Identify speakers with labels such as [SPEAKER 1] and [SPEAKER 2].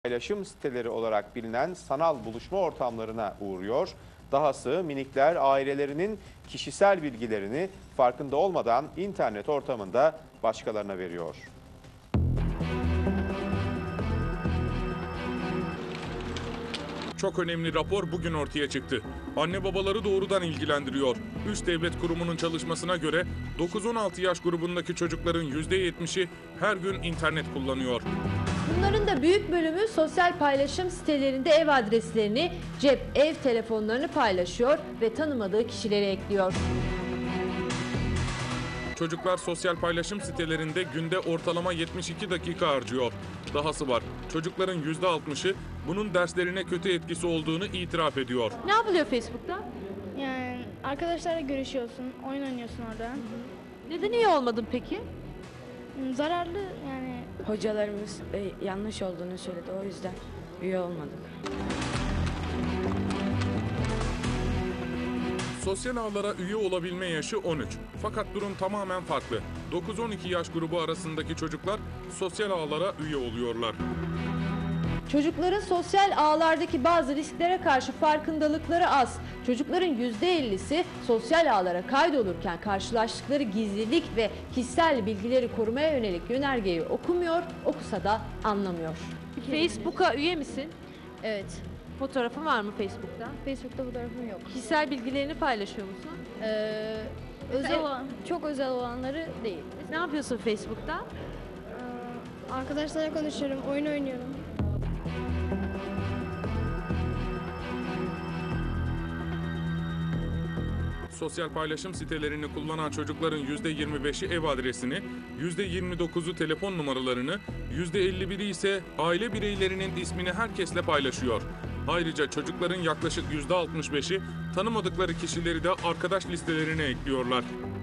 [SPEAKER 1] paylaşım siteleri olarak bilinen sanal buluşma ortamlarına uğruyor. Dahası minikler ailelerinin kişisel bilgilerini farkında olmadan internet ortamında başkalarına veriyor.
[SPEAKER 2] Çok önemli rapor bugün ortaya çıktı. Anne babaları doğrudan ilgilendiriyor. Üst devlet kurumunun çalışmasına göre 9-16 yaş grubundaki çocukların %70'i her gün internet kullanıyor.
[SPEAKER 3] Bunların da büyük bölümü sosyal paylaşım sitelerinde ev adreslerini, cep, ev telefonlarını paylaşıyor ve tanımadığı kişileri ekliyor.
[SPEAKER 2] Çocuklar sosyal paylaşım sitelerinde günde ortalama 72 dakika harcıyor. Dahası var. Çocukların %60'ı bunun derslerine kötü etkisi olduğunu itiraf ediyor.
[SPEAKER 3] Ne yapılıyor Facebook'ta?
[SPEAKER 4] Yani arkadaşlarla görüşüyorsun, oyun oynuyorsun orada.
[SPEAKER 3] Neden iyi olmadın peki?
[SPEAKER 4] Zararlı yani.
[SPEAKER 5] Hocalarımız yanlış olduğunu söyledi, o yüzden üye olmadık.
[SPEAKER 2] Sosyal ağlara üye olabilme yaşı 13. Fakat durum tamamen farklı. 9-12 yaş grubu arasındaki çocuklar sosyal ağlara üye oluyorlar.
[SPEAKER 3] Çocukların sosyal ağlardaki bazı risklere karşı farkındalıkları az. Çocukların %50'si sosyal ağlara kaydolurken karşılaştıkları gizlilik ve kişisel bilgileri korumaya yönelik yönergeyi okumuyor, okusa da anlamıyor. Facebook'a üye misin?
[SPEAKER 4] Evet.
[SPEAKER 3] Fotoğrafın var mı Facebook'ta?
[SPEAKER 4] Facebook'ta fotoğrafım yok.
[SPEAKER 3] Kişisel bilgilerini paylaşıyor musun?
[SPEAKER 4] Özel olan, çok özel olanları değil.
[SPEAKER 3] Ne yapıyorsun Facebook'ta?
[SPEAKER 4] Arkadaşlarla konuşuyorum, oyun oynuyorum.
[SPEAKER 2] Sosyal paylaşım sitelerini kullanan çocukların %25'i ev adresini, %29'u telefon numaralarını, %51'i ise aile bireylerinin ismini herkesle paylaşıyor. Ayrıca çocukların yaklaşık %65'i tanımadıkları kişileri de arkadaş listelerine ekliyorlar.